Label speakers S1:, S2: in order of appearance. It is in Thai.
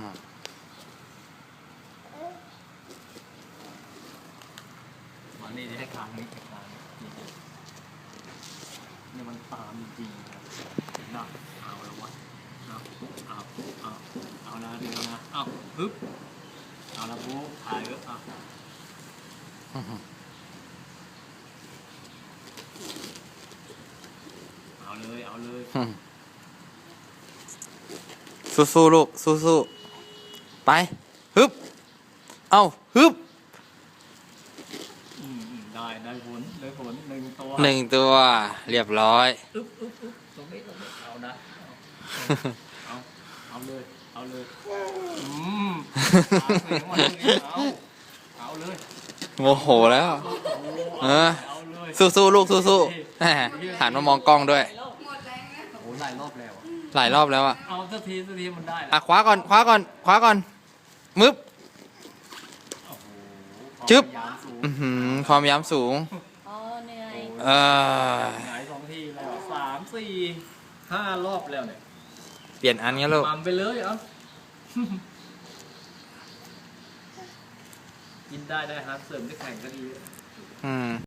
S1: มานี่ให้คางนี้คางนี่เนี่ยมันตามจริงๆนะเอาแล้ววะเอานะเดี๋ยวนะเอาฮึบเอาละปุ๊บถ่ายเอาเลย
S2: สู้ๆลูกสู้ๆไปฮึบเอาฮึบ
S1: ได้ผล1 ตัว
S2: 1 ตัวเรียบร้อย
S1: อึ๊บตรงนี้เอานะเอาเลยเอาเลยเอาเลย
S2: โมโหแล้วสู้ๆลูกสู้ๆหันมามองกล้องด้วย
S1: โอ้หลายรอบแล้ว
S2: หลายรอบแล้วอ่ะ
S1: เอาสักทีมันได้
S2: คว้าก่อนมึบจึ๊บความย้ำสูง
S3: เหนื่อย
S1: หงาย2 ทีแล้ว3 4 5 รอบแล้วเนี่ย
S2: เปลี่ยนอันงี้ลูก
S1: ไปเลยกินได้ฮะเสริมได้แข่งก็ดี